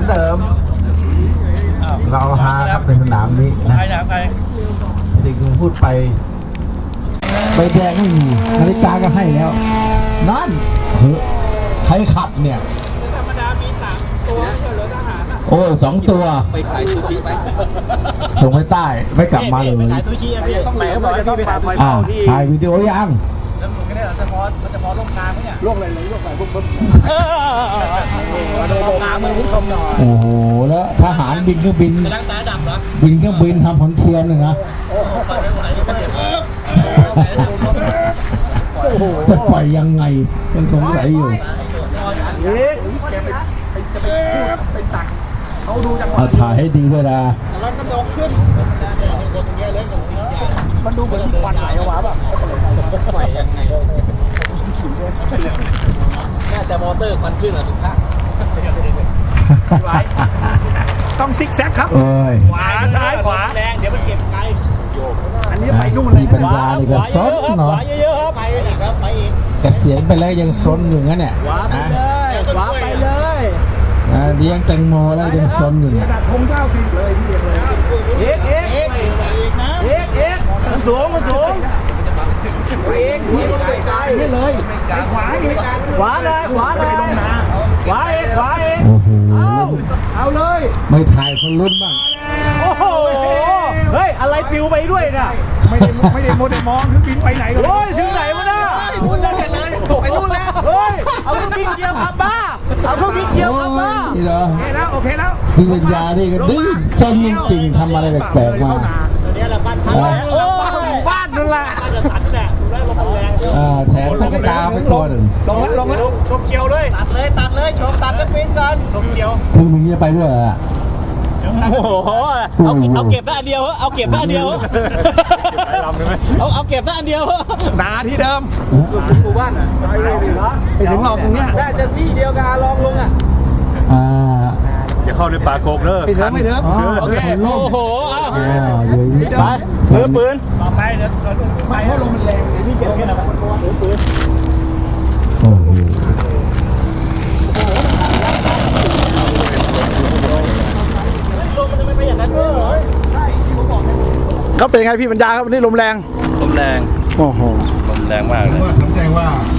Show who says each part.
Speaker 1: เดิมเราฮาครับเป็นสนามนี้นะสิ่งที่พูดไปใบแดงไม่มีนาฬิกาก็ให้แล้วนั่นใครขับเนี่ยธรรมดามี3 ตัวเฉลิมทหารโอ้2 ตัว
Speaker 2: ไปขายซูชิไป
Speaker 1: ส่งไปใต้ไม่กลับมาเลย
Speaker 2: ขายซูชิพี่ต้องไหนเขาบอกจะต้องไป
Speaker 1: ถ่ายวิดีโอยัง
Speaker 2: แล้วมึงก็ได้จะพอลงกลางไหมเนี่ยลงเลยลงไปปุ๊บลงกลางมือผู้ชมหน่อย
Speaker 1: โอ้โหแล้วทหารบินเครื่องบิน
Speaker 2: ล้างตาดำเหรอ
Speaker 1: บินเครื่องบินทำผลเทียมเลยนะจะปล่อยยังไงยังสงสัยอยู่ถ่ายให้ดีด้วยนะ
Speaker 2: แล้วกระโดดขึ้นมันดูเหมือนควันไหลออกมาแบบปล่อยยังไงแม่แต่มอเตอร์ควันขึ้นอ่ะทุกท่านต้องซิกแซกครับขวาซ้ายขวาแรงเดี๋ยวมันเก็บไกลอันนี้ไปนู่นเลย
Speaker 1: ปัญญาเลยก็ซนเนาะ
Speaker 2: เยอะๆครับไปอีกครับไปอีก
Speaker 1: เกษียณไปแล้วยังซนอยู่งั้นเนี่ย
Speaker 2: ขวาไปเลยขวาไปเลย
Speaker 1: เลี้ยงแตงโมแล้วยังซนอยู่เนี่ย
Speaker 2: คง90เลยพี่เลยมันสูงนี่เลยขวาเลยขวาเลยขวาเอง
Speaker 1: โอ้โห
Speaker 2: เอาเลย
Speaker 1: ไม่ถ่ายคนรุ่นบ้าง
Speaker 2: โอ้โหเฮ้ยอะไรปิวไปด้วยน่ะไม่ได้โมเดลมองถึงบินไปไหนโอ้ยถึงไหนวะน่ะนู่นแล้วกันเลยไปนู่นแล้วเฮ้ยเอาเครื่องบินเกี่ยวขับบ้าโอเคแล้ว
Speaker 1: พี่ปัญญานี่ก็ดื้อจนจริงๆทำอะไรแปลกๆมา
Speaker 2: เนี่ยแหละบ้านเขาบ้านนั่นแหละจะตัดแหละได้ลงแรง
Speaker 1: แถมตุ๊กตาไปตัวหนึ่ง
Speaker 2: ลงแล้วชมเชียวเลยตัดเลยชมตัดแล้วปิ้นกันชมเชียว
Speaker 1: มึงจะไปด้วยอ่ะ
Speaker 2: โอ้โหเอาเก็บได้อันเดียวเอาเก็บได้อันเดียวเอาเก็บได้อันเดียวนาที่เดิมหมู่บ้านไปถึงเราตรงเนี้ยได้จะที่เดียวกันลองลงอ่ะ
Speaker 3: อย่าเข้าในป่าโกกเด้อ
Speaker 2: ไม่เถอะโอเคโอ้โห
Speaker 1: ไป
Speaker 2: ปืนต่อไปเดี๋ยวไม่เพราะลมมันแรงพี่เก็บแค่ไหนปืน
Speaker 1: โอ้โห
Speaker 2: เขาเป็นไงพี่บรรดาครับวันนี้ลมแรง
Speaker 3: โอ้โหลมแรงมากเลย
Speaker 1: แสดงว่า